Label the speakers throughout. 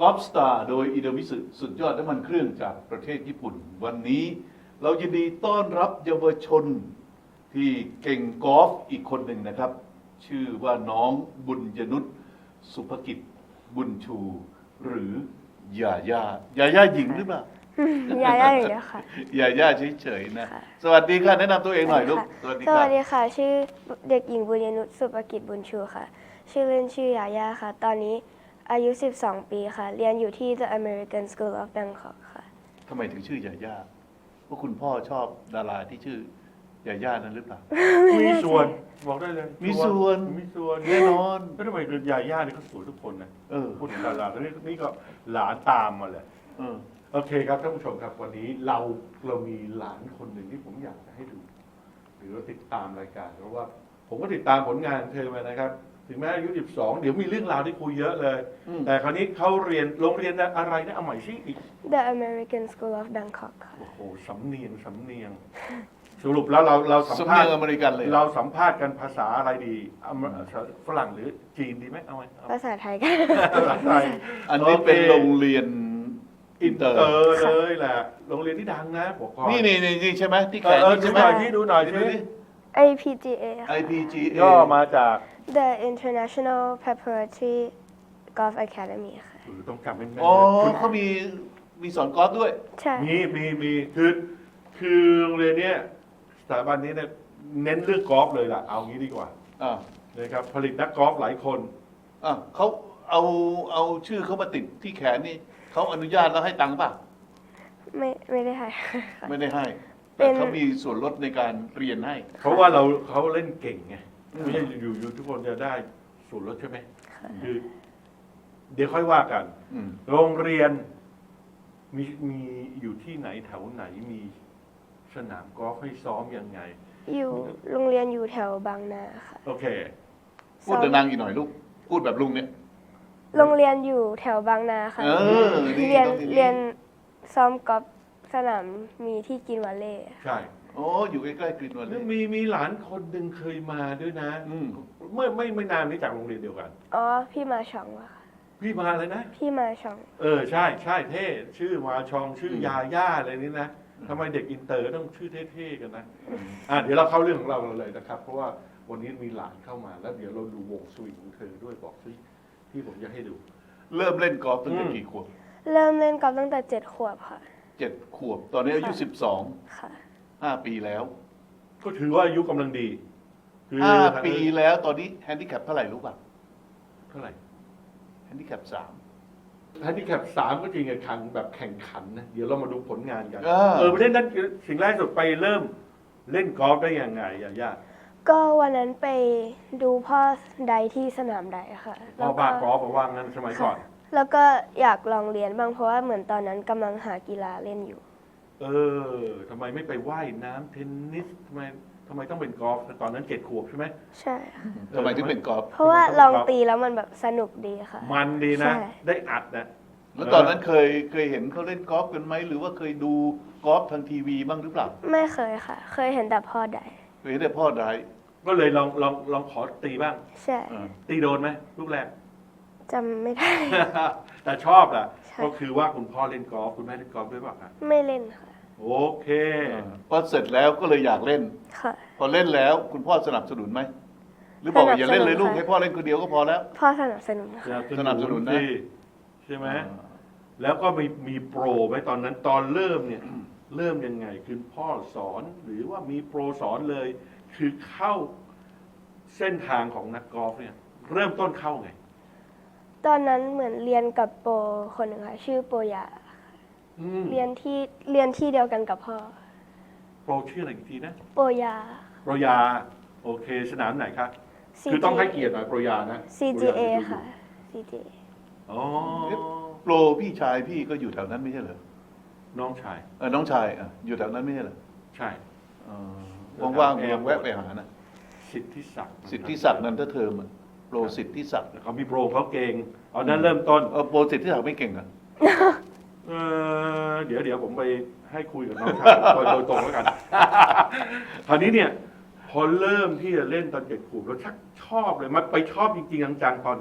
Speaker 1: อล์ฟสตาร์โดยอิโดมิสึสุดยอดน้ำมันเครื่องจากประเทศญี่ปุ่น วันนี้เรายินดีต้อนรับเยาวชนที่เก่งกอล์ฟอีกคนหนึ่งนะครับ ชื่อว่าน้องบุญยนุชสุภกิจบุญชู หรือยาย่หญิงหรือเปล่า
Speaker 2: ยาย่าอยู่แล้วค่ะ
Speaker 1: ยาย่าเฉยๆนะ
Speaker 2: ค่ะ
Speaker 1: สวัสดีค่ะแนะนำตัวเองหน่อยลูก
Speaker 2: สวัสดีค่ะ ชื่อเด็กหญิงบุญยนุชสุภกิจบุญชูค่ะ ชื่อเล่นชื่อยาย่าค่ะ ตอนนี้อายุ 12 ปีค่ะ เรียนอยู่ที่ The American School of Bangkok ค่ะ
Speaker 1: ทำไมถึงชื่อยาย่าเพราะคุณพ่อชอบดาราที่ชื่อยาย่านั้นหรือเปล่า
Speaker 3: มีส่วนบอกได้เลย
Speaker 1: มีส่วน
Speaker 3: มีส่วน
Speaker 1: แน่นอน
Speaker 3: ก็ทำไมคือยาย่านี่เขาสวยทุกคนนะ พูดถึงดาราแล้วนี่ก็หลานตามมาเลย
Speaker 1: เออ
Speaker 3: โอเคครับท่านผู้ชมครับวันนี้เรามีหลานคนหนึ่งที่ผมอยากจะให้ดู หรือว่าติดตามรายการเพราะว่าผมก็ติดตามผลงานเธอมานะครับ ถึงแม้อายุ 12 เดี๋ยวมีเรื่องราวที่คุยเยอะเลย แต่คราวนี้เขาเรียนโรงเรียนอะไรนะเอาใหม่สิอีก
Speaker 2: The American School of Bangkok ค่ะ
Speaker 3: โอ้โหสำเนียงสรุปแล้วเราสัม
Speaker 1: สำ
Speaker 3: ภา
Speaker 1: เนี
Speaker 3: ษ
Speaker 1: ยง
Speaker 3: ณ์
Speaker 1: อเมริกันเลย
Speaker 3: เราสัมภาษณ์กันภาษาอะไรดีฝรั่งหรือจีนดีไหมเอาไหมเอา
Speaker 2: ภาษาไทยกัน
Speaker 3: ภาษาไทย
Speaker 1: อันนี้เป็นโรงเรียนอินเตอร์
Speaker 3: เลยแหละโรงเรียนที่ดังนะบอกก่อน
Speaker 1: นี่ใช่ไหมที่แขน
Speaker 3: ดู
Speaker 1: ใช่ไห
Speaker 3: ห
Speaker 1: ม
Speaker 3: น่อยที่ดูหน่อยสิ
Speaker 2: APGA ค่ะ
Speaker 1: IPGA
Speaker 3: ย่อมาจาก
Speaker 2: The International Preparatory Golf Academy ค่ะ
Speaker 3: ต้องจำให้แม่น
Speaker 1: อ๋อ
Speaker 3: คุณ
Speaker 1: เขามีสอนกอล์ฟด้วย
Speaker 2: ใช่
Speaker 3: มีคือโรงเรียนเนี้ยสถาบันนี้เนี่ยเน้นเรื่องกอล์ฟเลยล่ะเอางี้ดีกว่า
Speaker 1: อ่า
Speaker 3: นะครับผลิตนักกอล์ฟหลายคน
Speaker 1: เขาเอาชื่อเขามาติดที่แขนนี่เขาอนุญาตแล้วให้ตังค์ป่ะ
Speaker 2: ไม่ได้ค่ะ
Speaker 1: ไม่ได้ให้
Speaker 2: เป็
Speaker 1: แต่
Speaker 2: น
Speaker 1: เขามีส่วนลดในการเรียนให้
Speaker 3: เพราะว่าเขาเล่นเก่งไงไม่ใช่อยู่ทุกคนจะได้ส่วนลดใช่ไหมคือเดี๋ยวค่อยว่ากัน
Speaker 1: อืม
Speaker 3: โรงเรียนมีอยู่ที่ไหนแถวไหนมีสนามกอล์ฟให้ซ้อมยังไง
Speaker 2: อยู่โรงเรียนอยู่แถวบางนาค่ะ
Speaker 3: โอเค
Speaker 1: พูดดังๆอีกหน่อยลูก พูดแบบลุงเนี่ย
Speaker 2: โรงเรียนอยู่แถวบางนาค่ะ
Speaker 1: ดี
Speaker 2: เรียน
Speaker 1: ต้องดี
Speaker 2: เรียนซ้อมกอล์ฟสนามมีที่กินวอลเลย์
Speaker 3: ใช่
Speaker 1: โอ้อยู่ใกล้ๆกรีนวันเล
Speaker 3: แล้ว
Speaker 1: ย
Speaker 3: มีหลานคนหนึ่งเคยมาด้วยนะ
Speaker 1: อืม
Speaker 3: เมื่อไม่นานนี้จากโรงเรียนเดียวกัน
Speaker 2: อ๋อ พี่มาชองวะค่ะ
Speaker 3: พี่มาเลยนะ
Speaker 2: พี่มาชอง
Speaker 3: ใช่เท่ชื่อมาชองชื่อยาย่าอะไรนี้นะทำไมเด็กอินเตอร์ต้องชื่อเท่ๆกันนะเดี๋ยวเราเข้าเรื่องของเราเลยนะครับ เพราะว่าวันนี้มีหลานเข้ามาแล้วเดี๋ยวเราดูวงสวิงของเธอด้วยบอกสิที่ผมจะให้ดู
Speaker 1: เริ่มเล่นกอล์ฟตั้งแต่กี่ขวบ
Speaker 2: เริ่มเล่นกอล์ฟตั้งแต่7 ขวบค่ะ
Speaker 1: 7 ขวบ ตอนนี้อายุ
Speaker 2: ค่ะ
Speaker 1: 12 5 ปีแล้ว
Speaker 3: ก็ถือว่าอายุกำลังดีคือ
Speaker 1: 5 ปีแล้วตอนนี้แฮนดิแคปเท่าไหร่รู้ป่ะ
Speaker 3: เท่าไหร่
Speaker 1: แฮนดิแคป3
Speaker 3: แฮนดิแคป3ก็จริงแข่งแบบแข่งขันนะเดี๋ยวเรามาดูผลงานกัน
Speaker 1: เออ
Speaker 3: ประเด็นนั้นสิ่งแรกสุดไปเริ่มเล่นกอล์ฟได้ยังไงย่า
Speaker 2: ก็วันนั้นไปดูพ่อไดที่สนามไดค่ะ
Speaker 3: พ่อบ้ากอล์ฟมาว่างั้นสมัยก่อน
Speaker 2: แล้วก็อยากลองเรียนบ้างเพราะว่าเหมือนตอนนั้นกำลังหากีฬาเล่นอยู่
Speaker 3: ทำไมไม่ไปว่ายน้ำเทนนิสทำไมต้องเป็นกอล์ฟตอนนั้น7 ขวบใช่ไหม
Speaker 2: ใช่ค่ะ
Speaker 1: ทำไมถึงเป็นกอล์ฟ
Speaker 2: เพราะว่าลองตีแล้วมันแบบสนุกดีค่ะ
Speaker 3: มันดีนะ
Speaker 2: ใช่
Speaker 3: ได้อัดนะ
Speaker 1: แล้วตอนนั้นเคยเห็นเขาเล่นกอล์ฟกันไหมหรือว่าเคยดูกอล์ฟทางทีวีบ้างหรือเปล่า
Speaker 2: ไม่เคยค่ะ เคยเห็นแต่พ่อได
Speaker 1: เคยเห็นแต่พ่อได้
Speaker 3: ก็เลยลองขอตีบ้าง
Speaker 2: ใช่
Speaker 3: ตีโดนไหมลูกแรก
Speaker 2: จำไม่ได้
Speaker 3: แต่ชอบแหละ
Speaker 2: ใช่
Speaker 3: ก็คือว่าคุณพ่อเล่นกอล์ฟคุณแม่เล่นกอล์ฟด้วยเปล่ะครับ
Speaker 2: ไม่เล่นค่ะ
Speaker 3: โอเค
Speaker 1: พอเสร็จแล้วก็เลยอยากเล่น
Speaker 2: ค่ะ
Speaker 1: พอเล่นแล้วคุณพ่อสนับสนุนไหมหรือบอกว่าอย่าเล่นเลยลูก
Speaker 2: สนับสนุนค่ะ
Speaker 1: ให้พ่อเล่นคนเดียวก็พอแล้ว
Speaker 2: พ่อสนับสนุนค่ะ
Speaker 1: สนับสนุนนะ
Speaker 3: สิใช่ไหมแล้วก็มีโปรไหมตอนนั้นตอนเริ่มเนี่ย เริ่มยังไงคือพ่อสอนหรือว่ามีโปรสอนเลย คือเข้าเส้นทางของนักกอล์ฟเนี่ย เริ่มต้นเข้าไง
Speaker 2: ตอนนั้นเหมือนเรียนกับโปรคนหนึ่งค่ะชื่อโปรยา เรียนที่เดียวกันกับพ่อ
Speaker 3: โปรชื่ออะไรอีกทีนะ
Speaker 2: โปรยา
Speaker 3: โปรยา โอเค สนามไหนครับ คือต้องให้เกียรติหน่อยโปรยานะ
Speaker 2: CGA ค่ะ CGA
Speaker 3: อ๋อ
Speaker 1: โปรพี่ชายพี่ก็อยู่แถวนั้นไม่ใช่เหรอ
Speaker 3: น้องชาย
Speaker 1: น้องชายอยู่แถวนั้นไม่ใช่เหรอ
Speaker 3: ใช่
Speaker 1: ว่างๆลองแวะไปหานะ
Speaker 3: สิทธิศักดิ์
Speaker 1: สิทธิศักดิ์นันทเทอมโปรสิทธิศักดิ์
Speaker 3: เขามีโปรเขาเก่งเอานั้นเริ่มต้น
Speaker 1: โปรสิทธิศักดิ์ไม่เก่งอ่ะ
Speaker 3: เดี๋ยวผมไปให้คุยกับน้องชาย โดยตรงแล้วกัน คราวนี้เนี่ย พอเริ่มที่จะเล่นตอน7 ขวบแล้วชักชอบเลยมันไปชอบจริงๆจังๆตอนไหน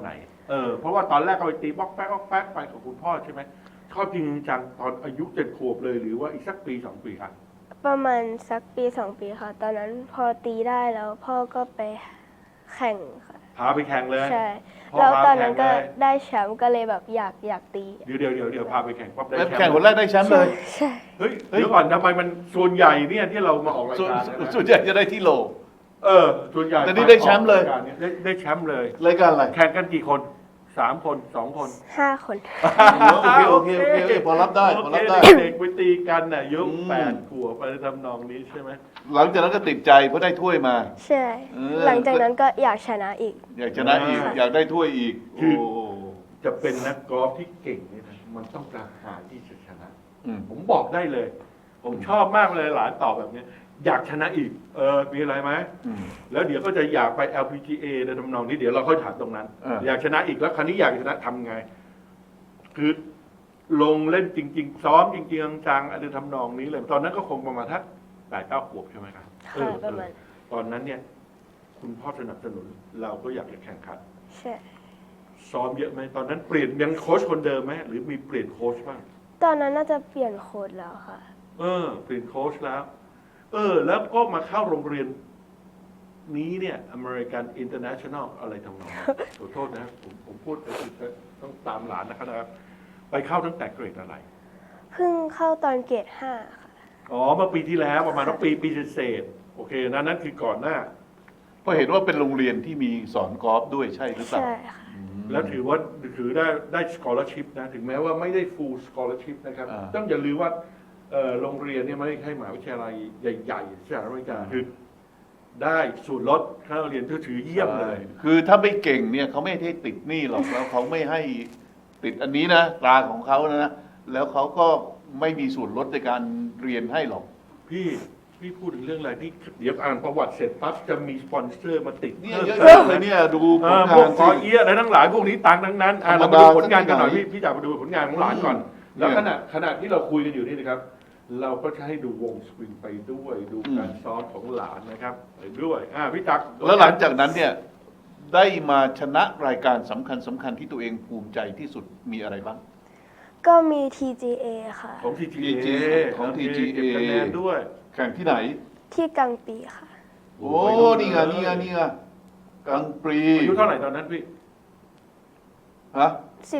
Speaker 3: เพราะว่าตอนแรกก็ไปตีบล็อกแป๊กบล็อกแป๊กไปกับคุณพ่อใช่ไหมชอบจริงจังตอนอายุ7 ขวบเลยหรือว่าอีกสักปี 2 ปีครับ
Speaker 2: ประมาณสักปี2 ปีค่ะ ตอนนั้นพอตีได้แล้วพ่อก็ไปแข่งค่ะ
Speaker 3: พาไปแข่งเลย
Speaker 2: ใช่
Speaker 3: พ่อ
Speaker 2: แล้ว
Speaker 3: พา
Speaker 2: ตอนนั้นก็
Speaker 3: แข่งเลย
Speaker 2: ได้แชมป์ก็เลยแบบอยากตี
Speaker 3: เดี๋ยวพาไปแข่งปั๊บได้
Speaker 1: แล้ว
Speaker 3: แชมป์
Speaker 1: แข่งคนแรกได้แชมป์เลย
Speaker 2: ใช่
Speaker 3: เฮ้ยเดี๋ยวก่อนทำไมมันส่วนใหญ่เนี่ยที่เรามาออกราย
Speaker 1: ส่วน
Speaker 3: การเนี่ยนะ
Speaker 1: ส่วนใหญ่จะได้ที่โหล
Speaker 3: ส่วนใหญ่
Speaker 1: แต่นี่ได้แชมป์เลย
Speaker 3: ออกรายการนี่ได้แชมป์เลย
Speaker 1: รายการอะไร
Speaker 3: แข่งกันกี่คน3 คน 2 คน
Speaker 2: 5 คน
Speaker 1: โอเคพอรับได้พอรับได้
Speaker 3: โอเคเด็กๆไปตีกันน่ะอายุ
Speaker 1: อืม
Speaker 3: 8 ขวบไปทำนองนี้ใช่ไหม
Speaker 1: หลังจากนั้นก็ติดใจเพราะได้ถ้วยมา
Speaker 2: ใช่ หลังจากนั้นก็อยากชนะอีก
Speaker 1: อยากชนะอีก อยากได้ถ้วยอีก
Speaker 3: คือ
Speaker 1: โอ้
Speaker 3: จะเป็นนักกอล์ฟที่เก่งเนี่ยนะมันต้องกระหายที่จะชนะ
Speaker 1: อืม
Speaker 3: ผมบอกได้เลย ผมชอบมากเลยหลานตอบแบบเนี้ยอยากชนะอีก มีอะไรไหม
Speaker 1: อืม
Speaker 3: แล้วเดี๋ยวก็จะอยากไป LPGA ในทำนองนี้เดี๋ยวเราค่อยถามตรงนั้น อยากชนะอีกแล้วคราวนี้อยากชนะทำไง คือลงเล่นจริง ๆ ซ้อมจริงๆจังๆอะไรทำนองนี้เลย ตอนนั้นก็คงประมาณทัก8-9 ขวบใช่ไหมครับ
Speaker 2: ค่ะประมาณ
Speaker 3: ตอนนั้นเนี่ย คุณพ่อสนับสนุนเราก็อยากจะแข่งขัน
Speaker 2: ใช่
Speaker 3: ซ้อมเยอะไหมตอนนั้นเปลี่ยนยังโค้ชคนเดิมไหมหรือมีเปลี่ยนโค้ชบ้าง
Speaker 2: ตอนนั้นน่าจะเปลี่ยนโค้ดแล้วค่ะ
Speaker 3: เปลี่ยนโค้ชแล้ว แล้วก็มาเข้าโรงเรียนนี้เนี่ย American International อะไรทำนองนั้นขอโทษนะผมพูดต้องตามหลานนะครับ ไปเข้าตั้งแต่เกรดอะไร
Speaker 2: เพิ่งเข้าตอนเกรด5ค่ะ
Speaker 3: อ๋อเมื่อปีที่แล้วประมาณปีเศษๆโอเคนั่นคือก่อนหน้า
Speaker 1: เพราะเห็นว่าเป็นโรงเรียนที่มีสอนกอล์ฟด้วยใช่หรือเปล่า
Speaker 2: ใช่ค่ะ
Speaker 1: อืม
Speaker 3: แล้วถือได้ scholarship นะ ถึงแม้ว่าไม่ได้ full scholarship นะครับ
Speaker 1: อ่า
Speaker 3: ต้องอย่าลืมว่าโรงเรียนเนี่ยไม่ใช่มหาวิทยาลัยใหญ่ๆสหรัฐอเมริกาคือได้ส่วนลดค่าเรียนถือเยี่ยมเลย
Speaker 1: ใช่คือถ้าไม่เก่งเนี่ยเขาไม่ให้ติดหนี้หรอกแล้วเขาไม่ให้ติดอันนี้นะตราของเขานะแล้วเขาก็ไม่มีส่วนลดในการเรียนให้หรอก
Speaker 3: พี่พูดถึงเรื่องอะไรที่เดี๋ยวอ่านประวัติเสร็จปั๊บจะมีสปอนเซอร์มาติด
Speaker 1: เนี่ย
Speaker 3: พิ่ม
Speaker 1: เยอะแยะเลยเนี่ยดูผล
Speaker 3: พว
Speaker 1: งาก น
Speaker 3: คอ
Speaker 1: สิ
Speaker 3: เอียอะไรทั้งหลายพวกนี้ตังค์ทั้งนั้นเรา
Speaker 1: ธรรม
Speaker 3: มา
Speaker 1: ดา
Speaker 3: ดูผลงานกันหน่อย
Speaker 1: สักหน่อย
Speaker 3: พี่จะมาดูผลงานของหลานก่อน
Speaker 1: อืม
Speaker 3: แล้ว
Speaker 1: เนี่ย
Speaker 3: ขณะที่เราคุยกันอยู่นี่นะครับ เราก็จะให้ดูวงสวิงไปด้วยดูการซ้อมของหลานนะครับไปด้วยพี่จักร
Speaker 1: แล้วหลังจากนั้นเนี่ยได้มาชนะรายการสำคัญที่ตัวเองภูมิใจที่สุดมีอะไรบ้าง
Speaker 2: ก็มี TGA ค่ะ
Speaker 3: ของ TGA
Speaker 1: ของ TGA
Speaker 3: เก็บคะแนนด้วย
Speaker 1: แข่งที่ไหน
Speaker 2: ที่กังปีค่ะ
Speaker 1: โอ้นี่ไงกลางปรี
Speaker 3: อายุเท่าไหร่ตอนนั้นพี่
Speaker 1: ฮะ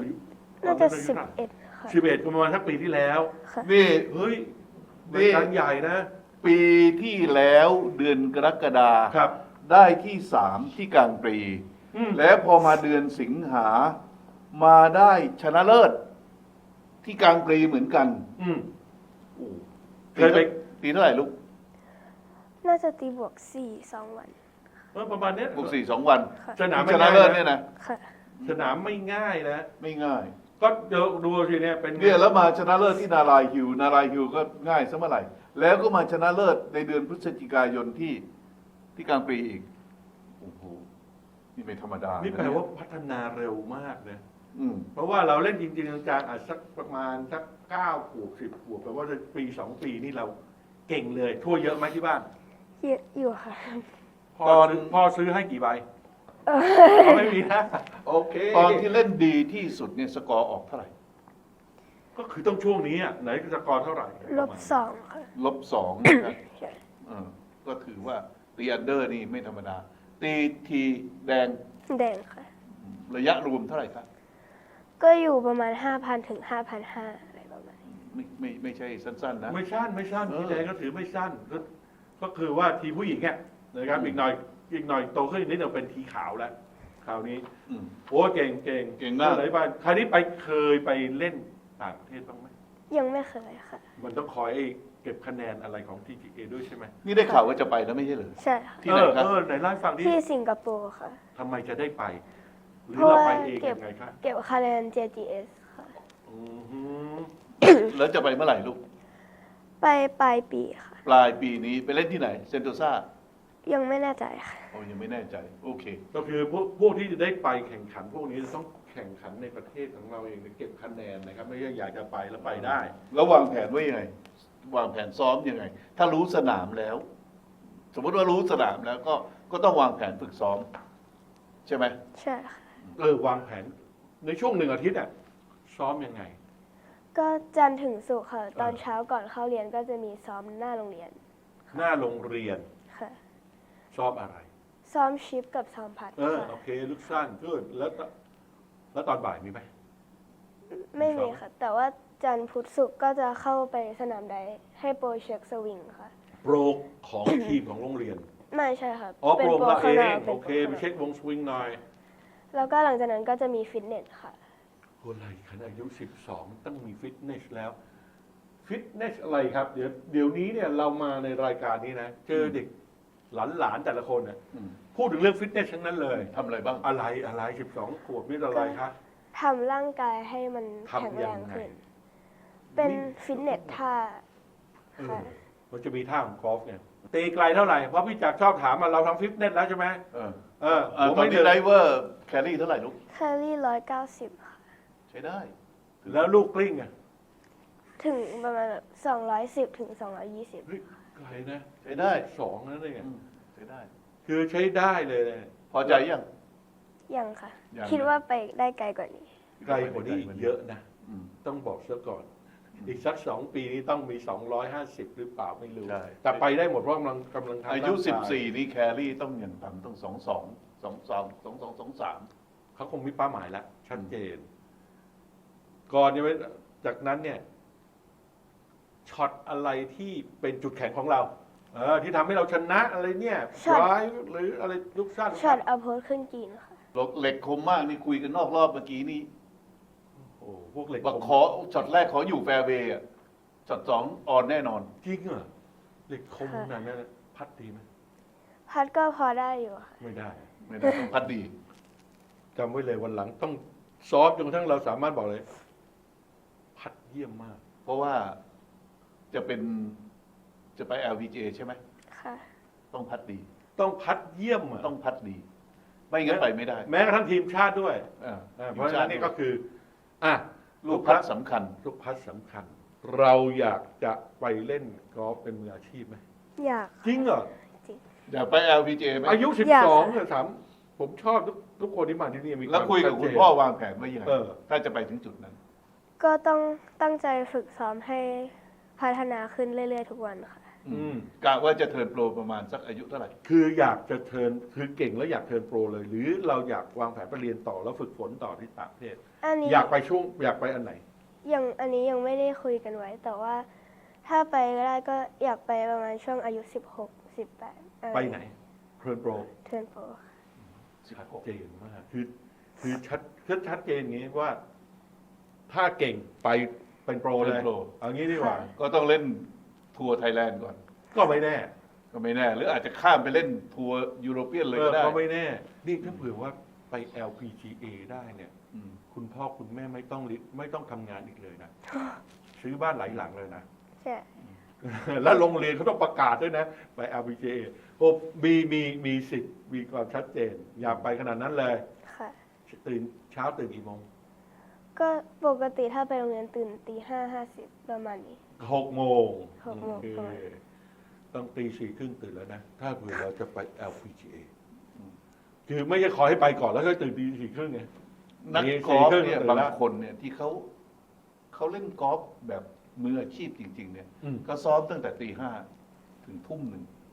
Speaker 2: 10 น่าจะ 11 ค่ะ
Speaker 3: 11ประมาณสักปีที่แล้ว
Speaker 2: ค่ะ
Speaker 1: นี่
Speaker 3: เฮ้ย
Speaker 1: นี่
Speaker 3: รายการใหญ่นะ
Speaker 1: ปีที่แล้วเดือนกรกฎา
Speaker 3: ครับ
Speaker 1: ได้ที่3ที่กลางปรี
Speaker 3: อืม
Speaker 1: แล้วพอมาเดือนสิงหามาได้ชนะเลิศที่กลางปรีเหมือนกัน
Speaker 3: อืม
Speaker 1: โอ้
Speaker 3: เคยไป
Speaker 1: ตีเท่าไหร่ลูก
Speaker 2: น่าจะตีบวก 4 2 วัน
Speaker 3: ประมาณเนี้ย
Speaker 1: บวก4 2 วัน
Speaker 2: ค่ะ
Speaker 3: สนาม
Speaker 1: ช
Speaker 3: ไม่
Speaker 1: นะ
Speaker 3: ง่าย
Speaker 1: เลิศ
Speaker 3: นะ
Speaker 1: เนี่ยนะ
Speaker 2: ค่ะ
Speaker 3: สนามไม่ง่ายนะ
Speaker 1: ไม่ง่าย
Speaker 3: ก็เดี๋ยวดูสิเนี่ยเป็นไง
Speaker 1: เนี่ยแล้วมาชนะเลิศที่นารายฮิวก็ง่ายซะเมื่อไหร่ แล้วก็มาชนะเลิศในเดือนพฤศจิกายนที่กลางปรีอีกโอ้โหนี่ไม่ธรรมดา
Speaker 3: นี่
Speaker 1: นี่
Speaker 3: แปลว่าพัฒนาเร็วมากนะ
Speaker 1: อืม
Speaker 3: เพราะว่าเราเล่นจริงๆจังๆอาจสักประมาณสัก9 ขวบ10 ขวบแปลว่าปี 2 ปีนี่เราเก่งเลยทั่วเยอะไหมที่บ้าน
Speaker 2: เยอะอยู่ค่ะ
Speaker 3: พ่อซื้อให้กี่ใบไม่มีนะโอเค
Speaker 1: ตอนที่เล่นดีที่สุดเนี่ยสกอร์ออกเท่าไหร่
Speaker 3: ก็คือต้องช่วงนี้อ่ะไหนสกอร์เท่าไหร่
Speaker 2: -2 ค่ะ
Speaker 1: -2 นะครับ
Speaker 2: ใช่
Speaker 1: ก็ถือว่าตีอันเดอร์นี่ไม่ธรรมดา ตีทีแดง
Speaker 2: แดงค่ะ
Speaker 1: ระยะรวมเท่าไหร่ครับ
Speaker 2: ก็อยู่ประมาณ 5,000 ถึง 5,500 อะไรประมาณนี้
Speaker 1: ไม่ใช่สั้นๆนะ
Speaker 3: ไม่สั้น
Speaker 1: เออ
Speaker 3: พี่แดงก็ถือไม่สั้นก็คือว่าทีผู้หญิงเนี่ยนะครับอีกหน่อยโตขึ้นอีกนิดนึงเป็นทีขาวแล้วคราวนี้
Speaker 1: อืม
Speaker 3: โอ้เก่ง
Speaker 1: เก่งมาก
Speaker 3: ไหนบ้างคราวนี้เคยไปเล่นต่างประเทศบ้างไหม
Speaker 2: ยังไม่เคยค่ะ
Speaker 3: มันต้องคอยเก็บคะแนนอะไรของ TGA ด้วยใช่ไหม
Speaker 1: นี่ได้ข่าวว่าจะไปแล้วไม่ใช่เหรอ
Speaker 2: ใช่ค่ะ
Speaker 1: ที่ไหนครับ
Speaker 3: ไหนเล่าให้ฟังดิ
Speaker 2: ที่สิงคโปร์ค่ะ
Speaker 3: ทำไมจะได้ไป หรือ
Speaker 2: เพราะ
Speaker 3: เรา
Speaker 2: ว่า
Speaker 3: ไปเอง
Speaker 2: เก็บ
Speaker 3: ยังไงครับ
Speaker 2: เก็บคะแนน JGS ค่ะ
Speaker 3: อือหือ
Speaker 1: แล้วจะไปเมื่อไหร่ลูก
Speaker 2: ไปปลายปีค่ะ
Speaker 1: ปลายปีนี้ไปเล่นที่ไหน เซนโตซา
Speaker 2: ยังไม่แน่ใจค่ะ
Speaker 1: ยังไม่แน่ใจ โอเค
Speaker 3: ก็คือพวกที่จะได้ไปแข่งขัน พวกนี้จะต้องแข่งขันในประเทศของเราเองเก็บคะแนนนะครับไม่ใช่อยากจะไปแล้วไปได้
Speaker 1: แล้ววางแผนไว้ยังไง วางแผนซ้อมยังไง ถ้ารู้สนามแล้ว สมมติว่ารู้สนามแล้วก็ต้องวางแผนฝึกซ้อม ใช่ไหม
Speaker 2: ใช่ค่ะ
Speaker 1: อืม
Speaker 3: วางแผนในช่วง1 อาทิตย์อ่ะซ้อมยังไง
Speaker 2: ก็จันทร์ถึงศุกร์ค่ะ ตอนเช้าก่อนเข้าเรียนก็จะมีซ้อมหน้าโรงเรียน
Speaker 3: หน้าโรงเรียน
Speaker 2: ค่ะ
Speaker 3: ซ้อมอะไร
Speaker 2: ซ้อมชิปกับซ้อมพัดค่ะ
Speaker 3: โอเคลูกสั้นก็แล้วตอนบ่ายมีไหม
Speaker 2: ไม่มีค่ะ แต่ว่าจันทร์พุธศุกร์ก็จะเข้าไปสนามใดให้โปรเช็คสวิงค่ะ
Speaker 3: โปรของทีมของโรงเรียน
Speaker 2: ไม่ใช่ค่ะ
Speaker 3: อ๋อโปรมาเอ
Speaker 2: ข้างนอง ก
Speaker 3: โอเค
Speaker 2: ป็
Speaker 3: ไป
Speaker 2: นโปร
Speaker 3: เช็ควงสวิงหน่อย
Speaker 2: แล้วก็หลังจากนั้นก็จะมีฟิตเนสค่ะ
Speaker 3: อะไรขนาดอายุ12ต้องมีฟิตเนสแล้ว ฟิตเนสอะไรครับ เดี๋ยวนี้เนี่ยเรามาในรายการนี้นะ เจอเด็กหลานแต่ละคนเนี่ย
Speaker 1: อืม
Speaker 3: พูดถึงเรื่องฟิตเนสทั้งนั้นเลย
Speaker 1: ทำอะไรบ้าง
Speaker 3: อะไร12 ขวบนี่อะไรครับ
Speaker 2: ทำร่างกายให้มันแข็ง
Speaker 3: ทำ
Speaker 2: แร
Speaker 3: ยัง
Speaker 2: ง
Speaker 3: ไง
Speaker 2: ขึ้น เป็นฟิตเนสท่า ค่ะ
Speaker 3: มันจะมีท่าของกอล์ฟเนี่ยตีไกลเท่าไหร่ เพราะพี่จักรชอบถามมาเราทำฟิตเนสแล้วใช่ไหม
Speaker 1: เออ
Speaker 3: ผม
Speaker 1: ตอน
Speaker 3: ไม่
Speaker 1: นี้
Speaker 3: เดิน
Speaker 1: ไดเวอร์แครี่เท่าไหร่ลูก
Speaker 2: แคลรี่190 ค่ะ
Speaker 1: ใช้ได้
Speaker 3: แล้วลูกกลิ้งอ่ะ
Speaker 2: ถึงประมาณ210 ถึง 220
Speaker 3: เฮ้ยไกลนะ
Speaker 1: ใช้ได้
Speaker 3: 2นั่นเอง
Speaker 1: อืมใช้ได้
Speaker 3: คือใช้ได้เลยนะ
Speaker 1: พอใจยัง
Speaker 2: ยังค่ะ
Speaker 1: ยัง
Speaker 2: คิดว่าไปได้ไกลกว่านี้
Speaker 3: ไกลกว่านี้อีกเยอะนะ
Speaker 1: อืม
Speaker 3: ต้องบอกซะก่อน อีกสัก2 ปีนี้ต้องมี250หรือเปล่าไม่รู้
Speaker 1: ใช่
Speaker 3: แต่ไปได้หมดเพราะกำลังทำ
Speaker 1: อายุ
Speaker 3: ร่งก
Speaker 1: 14 นี่แครี่ต้องอย่างต่ำต้อง22
Speaker 3: เขาคงมีเป้าหมายแล้วชัดเจน ก่อนจะไปจากนั้นเนี่ยช็อตอะไรที่เป็นจุดแข็งของเราที่ทำให้เราชนะอะไรเนี่ย
Speaker 2: ช็อต
Speaker 3: ร้ายหรืออะไรลูกสั้น
Speaker 2: ช็อตอัพโพสขึ้นกรีนค่ะ
Speaker 1: 23เหล็กคมมากนี่คุยกันนอกรอบเมื่อกี้นี่
Speaker 3: โอ้พวกเหล็ก
Speaker 1: บอก
Speaker 3: คม
Speaker 1: ขอช็อตแรกขออยู่แฟร์เวย์อะช็อต2ออนแน่นอน
Speaker 3: จริงเหรอเหล็กคม
Speaker 2: ค่ะ
Speaker 3: ขนาดนั้นพัดดีไหม
Speaker 2: พัดก็พอได้อยู่ค่ะ
Speaker 3: ไม่ได้
Speaker 1: ไม่ได้ต้องพัดดี
Speaker 3: จำไว้เลยวันหลังต้องซ้อมจนกระทั่งเราสามารถบอกเลย พัดเยี่ยมมาก
Speaker 1: เพราะว่าจะไป LPGA ใช่ไหม
Speaker 2: ค่ะ
Speaker 1: ต้องพัดดี
Speaker 3: ต้องพัดเยี่ยมอะ
Speaker 1: ต้องพัดดี ไม่งั้นไปไม่ได้
Speaker 3: แม้กระทั่งทีมชาติด้วย
Speaker 1: อ่า
Speaker 3: เพราะฉะนั้นนี่ก็คืออ่ะ
Speaker 1: ลูกพัดสำคัญ
Speaker 3: ลูกพัดสำคัญ เราอยากจะไปเล่นกอล์ฟเป็นมืออาชีพไหม
Speaker 2: อยาก
Speaker 3: จริงเหรอ
Speaker 1: อยากไป LPGA ไหม
Speaker 3: อายุ
Speaker 2: อยาก
Speaker 3: 12เนี่ยถามผมชอบทุกคนที่มาที่นี่มี
Speaker 1: แล้วคุยกับ
Speaker 3: วาม
Speaker 1: คุณ
Speaker 3: ชัดเจน
Speaker 1: พ่อวางแผนไว้ยังไง
Speaker 3: เออ
Speaker 1: ถ้าจะไปถึงจุดนั้น
Speaker 2: ก็ต้องตั้งใจฝึกซ้อมให้พัฒนาขึ้นเรื่อยๆทุกวันค่ะ
Speaker 1: กะว่าจะเทิร์นโปรประมาณสักอายุเท่าไหร่
Speaker 3: คืออยากจะเทิร์นคือเก่งแล้วอยากเทิร์นโปรเลย หรือเราอยากวางแผนไปเรียนต่อแล้วฝึกฝนต่อที่ต่างประเทศ
Speaker 2: อันนี้
Speaker 3: อยากไปอันไหน
Speaker 2: อันนี้ยังไม่ได้คุยกันไว้ แต่ว่าถ้าไปก็ได้ก็อยากไปประมาณช่วงอายุ16 18อะไร
Speaker 3: ไปไหนเทิร์นโปร
Speaker 2: เทิร์นโปร
Speaker 3: ชัดเจนมากคือชัดเจนอย่างนี้ว่า ถ้าเก่งไปเป็นโปรเลย
Speaker 1: เป็นโปร
Speaker 3: เอางี้ดีกว่า
Speaker 1: ก็ต้องเล่นทัวร์ไทยแลนด์ก่อน
Speaker 3: ก็ไม่แน่
Speaker 1: ก็ไม่แน่ หรืออาจจะข้ามไปเล่นทัวร์ยุโรเปียนเลยก็ได้
Speaker 3: ก็ไม่แน่ นี่ถ้าเผื่อว่าไป LPGA ได้เนี่ย
Speaker 1: อืม
Speaker 3: คุณพ่อคุณแม่ไม่ต้องทำงานอีกเลยนะ ซื้อบ้านหลายหลังเลยนะ
Speaker 2: ใช่
Speaker 3: แล้วโรงเรียนเขาต้องประกาศด้วยนะ ไป LPGA โอ้มีสิทธิ์มีความชัดเจน อยากไปขนาดนั้นเลย
Speaker 2: ค่ะ
Speaker 3: เช้าตื่นกี่โมง
Speaker 2: ก็ปกติถ้าไปโรงเรียนตื่นตี5:50ประมาณนี้
Speaker 3: 6 โมง
Speaker 2: 6 โมง
Speaker 3: โอเค
Speaker 2: ประมาณ
Speaker 3: ต้องตี 4:30ตื่นแล้วนะ ถ้าเผื่อเราจะไป LPGA คือไม่ใช่ขอให้ไปก่อนแล้วก็ตื่นตี 4:30ไง
Speaker 1: นักกอล์ฟ
Speaker 3: 4:30
Speaker 1: เนี่ย
Speaker 3: ตื่
Speaker 1: บาง
Speaker 3: แล้ว
Speaker 1: คนเนี่ยที่เขาเล่นกอล์ฟแบบมืออาชีพจริง ๆ เนี่ย
Speaker 3: อืม
Speaker 1: ก็ซ้อมตั้งแต่ตี 5 ถึงทุ่ม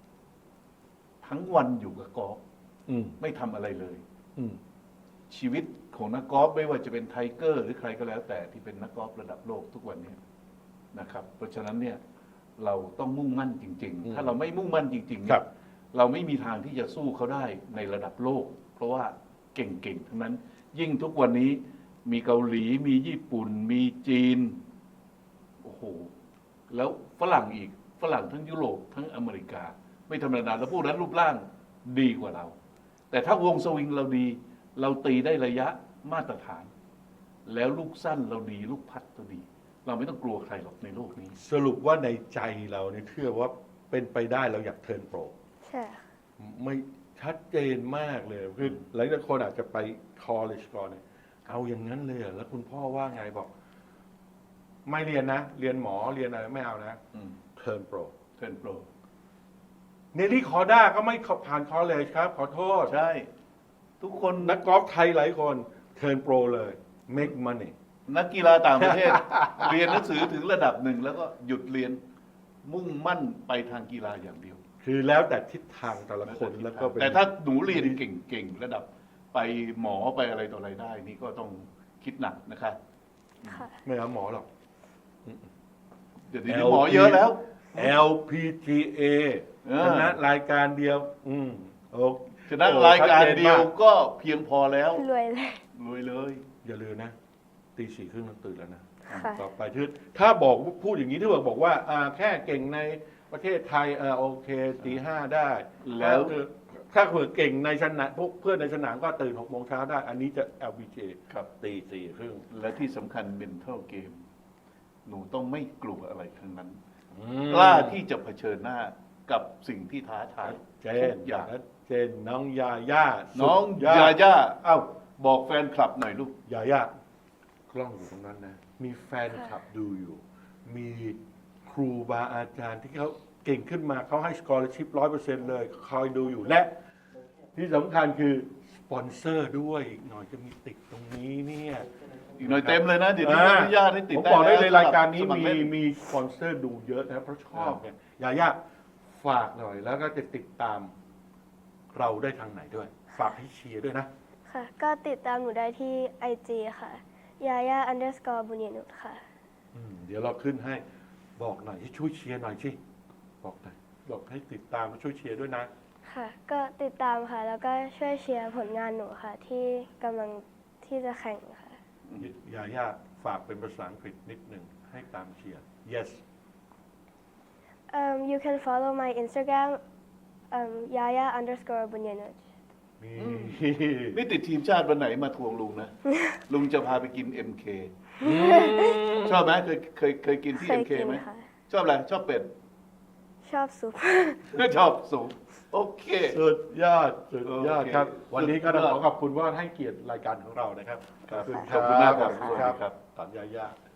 Speaker 1: 1 ทั้งวันอยู่กับกอล์ฟ
Speaker 3: อืม
Speaker 1: ไม่ทำอะไรเลย
Speaker 3: อืม
Speaker 1: ชีวิตของนักกอล์ฟไม่ว่าจะเป็นไทเกอร์ หรือใครก็แล้วแต่ที่เป็นนักกอล์ฟระดับโลกทุกวันนี้นะครับ เพราะฉะนั้นเนี่ยเราต้องมุ่งมั่นจริง ๆ ถ้าเราไม่มุ่งมั่นจริงๆ
Speaker 3: ค
Speaker 1: เนี่
Speaker 3: รั
Speaker 1: ย
Speaker 3: บ
Speaker 1: เราไม่มีทางที่จะสู้เขาได้ในระดับโลก เพราะว่าเก่งๆทั้งนั้น ยิ่งทุกวันนี้มีเกาหลี มีญี่ปุ่น มีจีนโอ้โหแล้วฝรั่งอีกฝรั่งทั้งยุโรปทั้งอเมริกา ไม่ธรรมดาแล้วพวกนั้นรูปร่างดีกว่าเรา แต่ถ้าวงสวิงเราดี เราตีได้ระยะมาตรฐาน แล้วลูกสั้นเราดี ลูกพัดเราดี เราไม่ต้องกลัวใครหรอกในโลกนี้
Speaker 3: สรุปว่าในใจเราเนี่ยเชื่อว่าเป็นไปได้เราอยากเทิร์นโปร
Speaker 2: ใช่ค่ะ
Speaker 3: ไม่ชัดเจนมากเลยคือหลายคนอาจจะไป college ก่อนเนี่ยเอาอย่างนั้นเลยเหรอแล้วคุณพ่อว่าไงบอก ไม่เรียนนะ เรียนหมอเรียนอะไรไม่เอานะ เทิร์นโปร
Speaker 1: เทิร์นโปร
Speaker 3: เนลลี่คอร์ด้าก็ไม่ผ่าน college ครับ ขอโทษ
Speaker 1: ใช่ทุกคน
Speaker 3: นักกอล์ฟไทยหลายคนเทิร์นโปรเลย make money
Speaker 1: นักกีฬาต่างประเทศ เรียนหนังสือถึงระดับหนึ่งแล้วก็หยุดเรียนมุ่งมั่นไปทางกีฬาอย่างเดียว
Speaker 3: คือแล้วแต่ทิศทางแต่ละคนแล้วก็เป็น
Speaker 1: แต่ถ้าหนูเรียนเก่งๆระดับไปหมอไปอะไรต่ออะไรได้ นี่ก็ต้องคิดหนักนะครับ
Speaker 2: ค่ะ
Speaker 3: ไม่เอาหมอหรอก
Speaker 1: เดี๋ยวนี้หมอเยอะแล้ว
Speaker 3: LPGA
Speaker 1: เออ
Speaker 3: ชนะรายการเดียว โอ้
Speaker 1: ฉะนั้นรายการเดียวก็เพียงพอแล้ว
Speaker 2: รวยเลย
Speaker 1: รวยเลย
Speaker 3: อย่าลืมนะ ตี 4:30ต้องตื่นแล้วนะ
Speaker 2: ค่ะ
Speaker 3: ต่อไปถ้าบอกพูดอย่างนี้ถ้าบอกว่าแค่เก่งในประเทศไทยโอเคตี 5ได้
Speaker 1: แล้ว
Speaker 3: ถ้าเผื่อเก่งในสนามพวกเพื่อนในสนามก็ตื่น6 โมงเช้าได้ อันนี้จะ LPGA
Speaker 1: ครับ
Speaker 3: ตี 4:30
Speaker 1: และที่สำคัญ mental game หนูต้องไม่กลัวอะไรทั้งนั้น
Speaker 3: อืม
Speaker 1: กล้าที่จะเผชิญหน้ากับสิ่งที่ท้าทาย
Speaker 3: เจ
Speaker 1: ทุ
Speaker 3: น
Speaker 1: กอย่าง
Speaker 3: เจนน้องยาย่า
Speaker 1: น้อง
Speaker 3: สุด
Speaker 1: ยาย่าเอ้าบอกแฟนคลับหน่อยลูก
Speaker 3: ยาย่ากล้องอยู่ตรงนั้นนะ มีแฟนคลับดูอยู่ มีครูบาอาจารย์ที่เขาเก่งขึ้นมาเขาให้ scholarship 100%เลยคอยดูอยู่และ ที่สำคัญคือสปอนเซอร์ด้วยอีกหน่อยจะมีติดตรงนี้เนี่ย
Speaker 1: อีกหน่อยเต็มเลยนะ เดี๋ยวนี้อนุญาตให้ติด
Speaker 3: ผม
Speaker 1: ได้
Speaker 3: บอกได้
Speaker 1: แว
Speaker 3: เลยรายการนี้
Speaker 1: สค
Speaker 3: มี
Speaker 1: เล่น
Speaker 3: มีสปอนเซอร์ดูเยอะนะเพราะชอบเนี่ยยาย่าฝากหน่อยแล้วก็จะติดตามเราได้ทางไหนด้วย ฝากให้เชียร์ด้วยนะ
Speaker 2: ค่ะ ก็ติดตามหนูได้ที่ IG ค่ะยาย่า บุญยนุชค่ะ
Speaker 3: เดี๋ยวเราขึ้นให้บอกหน่อยให้ช่วยเชียร์หน่อยสิบอกหน่อยบอกให้ติดตามและช่วยเชียร์ด้วยนะ
Speaker 2: ค่ะ ก็ติดตามค่ะ แล้วก็ช่วยเชียร์ผลงานหนูค่ะ ที่กำลังที่จะแข่งค่ะ
Speaker 3: ยาย่าฝากเป็นภาษาอังกฤษนิดหนึ่งให้ตามเชียร์ yes
Speaker 2: You can follow my Instagram yaya _ บุญยนุช
Speaker 3: นี่
Speaker 1: นี่ติดทีมชาติวันไหนมาทวงลุงนะ ลุงจะพาไปกิน MK ชอบไหมเคยกินที่
Speaker 2: เคย
Speaker 1: MK
Speaker 2: กิน
Speaker 1: ไหม
Speaker 2: ค่ะ
Speaker 1: ชอบอะไร ชอบเป็ด
Speaker 2: ชอบซุป
Speaker 1: ชอบสูง โอเค
Speaker 3: สุดยอดครับ
Speaker 1: โอเค
Speaker 3: วันนี้ก็ต้อง
Speaker 1: สุดยอด
Speaker 3: ขอขอบคุณว่าให้เกียรติรายการของเรานะครับ
Speaker 1: ขอบคุณมากครับ
Speaker 3: ขอบคุณครับตอนยาย่า